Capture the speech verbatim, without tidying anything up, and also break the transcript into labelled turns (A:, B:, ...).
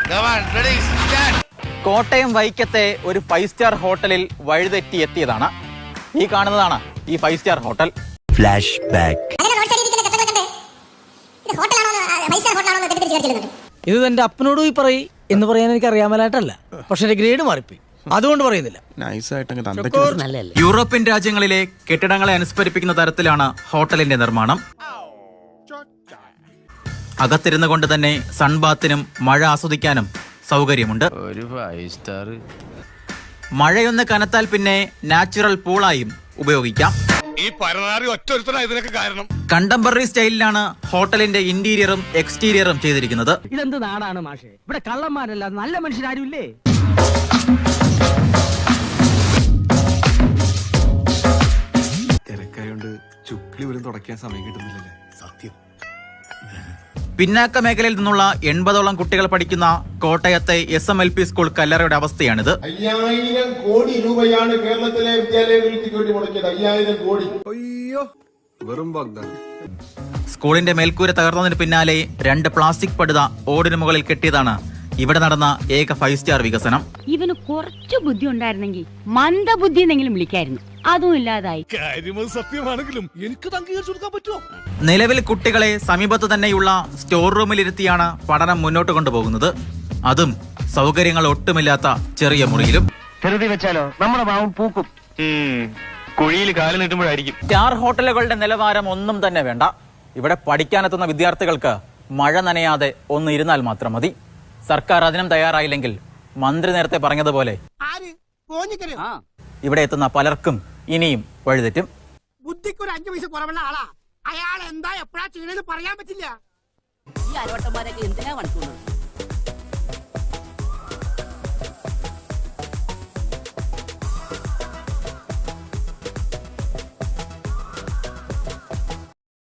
A: കോട്ടയം വൈക്കത്തെ ഒരു five star ഹോട്ടലിൽ വഴിതെറ്റി എത്തിയതാണ് ഈ കാണുന്നതാണ് ഈ five star hotel.
B: Flash back.
C: ഇത് എന്റെ അപ്പനോട് പോയി പറയും എന്ന് പറയാൻ എനിക്ക് അറിയാമലായിട്ടല്ല, പക്ഷെ എന്റെ ഗ്രേഡ് മാറിപ്പോയി, അതുകൊണ്ട് പറയുന്നില്ല.
A: യൂറോപ്യൻ രാജ്യങ്ങളിലെ കെട്ടിടങ്ങളെ അനുസ്മരിപ്പിക്കുന്ന തരത്തിലാണ് ഹോട്ടലിന്റെ നിർമ്മാണം. അകത്തിരുന്നു കൊണ്ട് തന്നെ സൺബാത്തിനും മഴ ആസ്വദിക്കാനും സൗകര്യമുണ്ട്.
D: ഒരു ഫൈവ് സ്റ്റാർ.
A: മഴയൊന്ന് കനത്താൽ പിന്നെ നാച്ചുറൽ പൂളായും ഉപയോഗിക്കാം.
E: ഈ പരനാറി ഒറ്റൊരുത്തനാ ഇതിനൊക്കെ കാരണം.
A: കണ്ടംപററി സ്റ്റൈലിലാണ് ഹോട്ടലിന്റെ ഇന്റീരിയറും എക്സ്റ്റീരിയറും ചെയ്തിരിക്കുന്നത്.
C: ഇതെന്ത് നാടാണ് മാഷേ, ഇവിടെ കള്ളന്മാരല്ല നല്ല മനുഷ്യരാരും ഇല്ലേ?
F: തിരക്കായോണ്ട് ചുക്ലി പോലും തുടയ്ക്കാൻ സമയം കിട്ടുന്നില്ലല്ലേ? സത്യം.
A: പിന്നാക്ക മേഖലയിൽ നിന്നുള്ള എൺപതോളം കുട്ടികൾ പഠിക്കുന്ന കോട്ടയത്തെ S M L P school കല്ലറയുടെ അവസ്ഥയാണിത്.
G: അയ്യായിരം കോടി രൂപയാണ് കേരളത്തിലെ വിദ്യാലയങ്ങൾക്ക് വേണ്ടി മുടക്കിയത്. അയ്യായിരം കോടി.
F: അയ്യോ, വെറും വാഗ്ദാനം.
A: സ്കൂളിന്റെ മേൽക്കൂര തകർന്നതിന് പിന്നാലെ രണ്ട് പ്ലാസ്റ്റിക് പടുത ഓടിന് മുകളിൽ കെട്ടിയതാണ് ഇവിടെ നടന്ന ഏക ഫൈവ് സ്റ്റാർ വികസനം.
H: ഇവന് കുറച്ചു ബുദ്ധി ഉണ്ടായിരുന്നെങ്കിൽ മന്ദബുദ്ധി എന്നെങ്കിലും വിളിക്കായിരുന്നു, അതും ഇല്ലാതായി.
E: സത്യമാണെങ്കിലും എനിക്ക് അംഗീകരിച്ചു കൊടുക്കാൻ പറ്റുമോ?
A: നിലവിൽ കുട്ടികളെ സമീപത്ത് തന്നെയുള്ള സ്റ്റോർ റൂമിലിരുത്തിയാണ് പഠനം മുന്നോട്ട് കൊണ്ടുപോകുന്നത്. അതും സൗകര്യങ്ങൾ ഒട്ടുമില്ലാത്ത ചെറിയ മുറിയിലും.
C: ധൃതി വെച്ചാലോ നമ്മുടെ പാവം പൂക്കും.
D: കുഴിയിൽ കാല് നീട്ടുമ്പോഴായിരിക്കും.
A: സ്റ്റാർ ഹോട്ടലുകളുടെ നിലവാരം ഒന്നും തന്നെ വേണ്ട. ഇവിടെ പഠിക്കാനെത്തുന്ന വിദ്യാർത്ഥികൾക്ക് മഴ നനയാതെ ഒന്ന് ഇരുന്നാൽ മാത്രം മതി. സർക്കാർ അതിനും തയ്യാറായില്ലെങ്കിൽ മന്ത്രി നേരത്തെ പറഞ്ഞതുപോലെ ഇവിടെ എത്തുന്ന പലർക്കും ഇനിയും വഴിതെറ്റും.
C: ബുദ്ധിക്ക് ഒരു അഞ്ചു പൈസ കുറവുള്ള ആളാ അയാൾ. എന്താ എപ്പോഴാ ചെയ്യണെന്ന് പറയാൻ പറ്റില്ല.
H: ഈ അരോട്ടന്മാരൊക്കെ എന്തിനാ മനസ്സിലുള്ളത്?